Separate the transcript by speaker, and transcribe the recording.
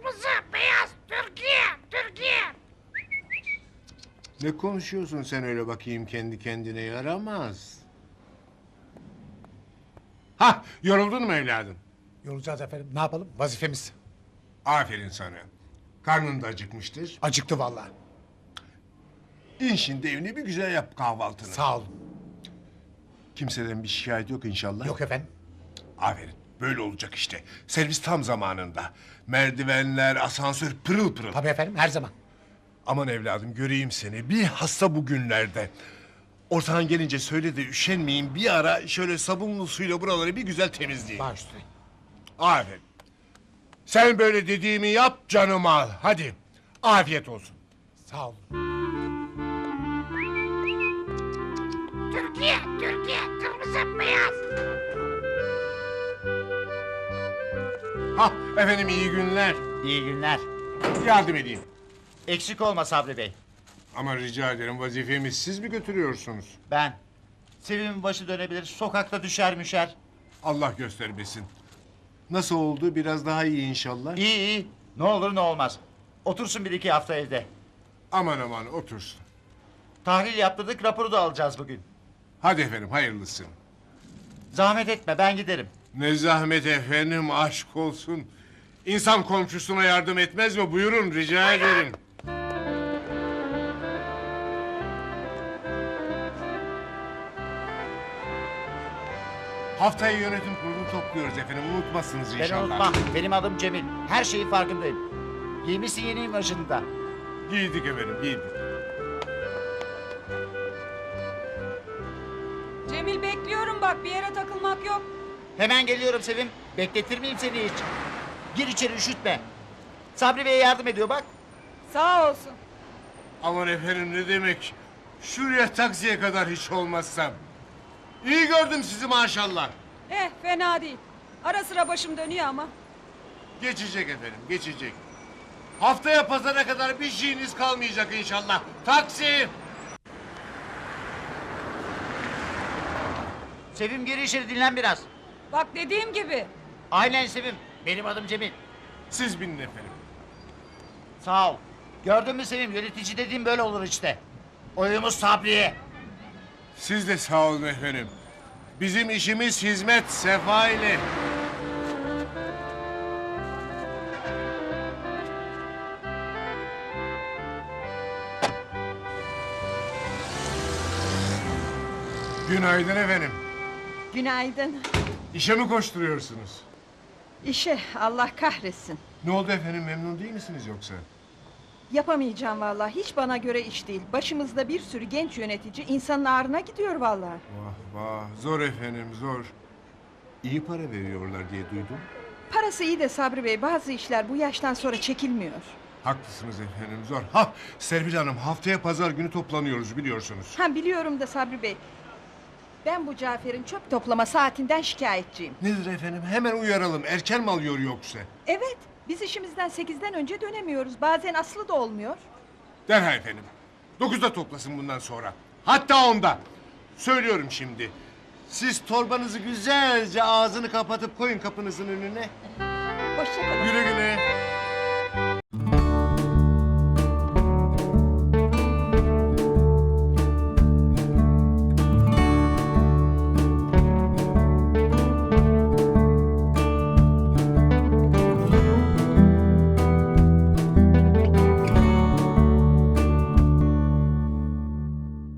Speaker 1: kırmızı, beyaz, Türkiye, Türkiye.
Speaker 2: Ne konuşuyorsun sen öyle bakayım kendi kendine, yaramaz. Hah, yoruldun mu evladım?
Speaker 3: Yorulacağız efendim. Ne yapalım? Vazifemiz.
Speaker 2: Aferin sana. Karnın da acıkmıştır.
Speaker 3: Acıktı vallahi.
Speaker 2: İn şimdi evine bir güzel yap kahvaltını.
Speaker 3: Sağ olun.
Speaker 2: Kimseden bir şikayet yok inşallah.
Speaker 3: Yok efendim.
Speaker 2: Aferin. Böyle olacak işte. Servis tam zamanında. Merdivenler, asansör pırıl pırıl.
Speaker 3: Tabii efendim, her zaman.
Speaker 2: Aman evladım göreyim seni. Bir hasta bugünlerde. Ortağın gelince söyle de üşenmeyin. Bir ara şöyle sabunlu suyla buraları bir güzel temizleyin.
Speaker 3: Baş üstüne.
Speaker 2: Aferin. Sen böyle dediğimi yap, canım al. Hadi. Afiyet olsun.
Speaker 3: Sağ olun.
Speaker 1: Türkiye, Türkiye, kırmızı, beyaz.
Speaker 2: Hah efendim, iyi günler.
Speaker 4: İyi günler.
Speaker 2: Yardım edeyim.
Speaker 4: Eksik olma Sabri Bey.
Speaker 2: Ama rica ederim, vazifemi siz mi götürüyorsunuz?
Speaker 4: Ben. Sevim'in başı dönebilir, sokakta düşer müşer.
Speaker 2: Allah göstermesin. Nasıl oldu? Biraz daha iyi inşallah.
Speaker 4: İyi iyi. Ne olur ne olmaz. Otursun bir iki hafta evde.
Speaker 2: Aman aman otursun.
Speaker 4: Tahlil yaptırdık, raporu da alacağız bugün.
Speaker 2: Hadi efendim, hayırlısı.
Speaker 4: Zahmet etme, ben giderim.
Speaker 2: Ne zahmet efendim, aşk olsun. İnsan komşusuna yardım etmez mi? Buyurun, rica ederim. Haftaya yönetim kurulu topluyoruz efendim. Unutmazsınız
Speaker 4: Ben
Speaker 2: inşallah.
Speaker 4: unutmam. Benim adım Cemil. Her şeyin farkındayım. Giymişsin yeni imajını da.
Speaker 2: Giydik efendim, giydik.
Speaker 5: Cemil bekliyorum bak, bir yere takılmak yok.
Speaker 4: Hemen geliyorum Sevim. Bekletir miyim seni hiç? Gir içeri, üşütme. Sabri Bey'e yardım ediyor bak.
Speaker 5: Sağ olsun.
Speaker 2: Aman efendim, ne demek? Şuraya taksiye kadar hiç olmazsam. İyi gördüm sizi maşallah.
Speaker 5: Fena değil. Ara sıra başım dönüyor ama.
Speaker 2: Geçecek efendim, geçecek. Haftaya pazara kadar bir şeyiniz kalmayacak inşallah. Taksi!
Speaker 4: Sevim gir içeri, dinlen biraz.
Speaker 5: Bak dediğim gibi.
Speaker 4: Aynen Sevim. Benim adım Cemil.
Speaker 2: Siz binin efendim.
Speaker 4: Sağ ol. Gördün mü Sevim, yönetici dediğim böyle olur işte. Oyumuz Sabri'ye.
Speaker 2: Siz de sağ olun efendim. Bizim işimiz hizmet, sefa ile. Günaydın efendim.
Speaker 6: Günaydın.
Speaker 2: İşe mi koşturuyorsunuz?
Speaker 6: İşe Allah kahretsin.
Speaker 2: Ne oldu efendim, memnun değil misiniz yoksa?
Speaker 6: Yapamayacağım vallahi. Hiç bana göre iş değil. Başımızda bir sürü genç yönetici insanın ağrına gidiyor vallahi.
Speaker 2: Vah vah, zor efendim, zor. İyi para veriyorlar diye duydum.
Speaker 6: Parası iyi de Sabri Bey, bazı işler bu yaştan sonra çekilmiyor.
Speaker 2: Haklısınız efendim, zor. Ha, Serpil Hanım, haftaya pazar günü toplanıyoruz biliyorsunuz.
Speaker 6: Ha biliyorum da Sabri Bey. Ben bu Cafer'in çöp toplama saatinden şikayetçiyim.
Speaker 2: Nedir efendim, hemen uyaralım. Erken mi alıyor yoksa?
Speaker 6: Evet, biz işimizden 8'den önce dönemiyoruz. Bazen aslı da olmuyor.
Speaker 2: Derhal efendim. 9'da toplasın bundan sonra. Hatta 10'da. Söylüyorum şimdi. Siz torbanızı güzelce ağzını kapatıp koyun kapınızın önüne.
Speaker 6: Hoşça kalın.
Speaker 2: Güle güle.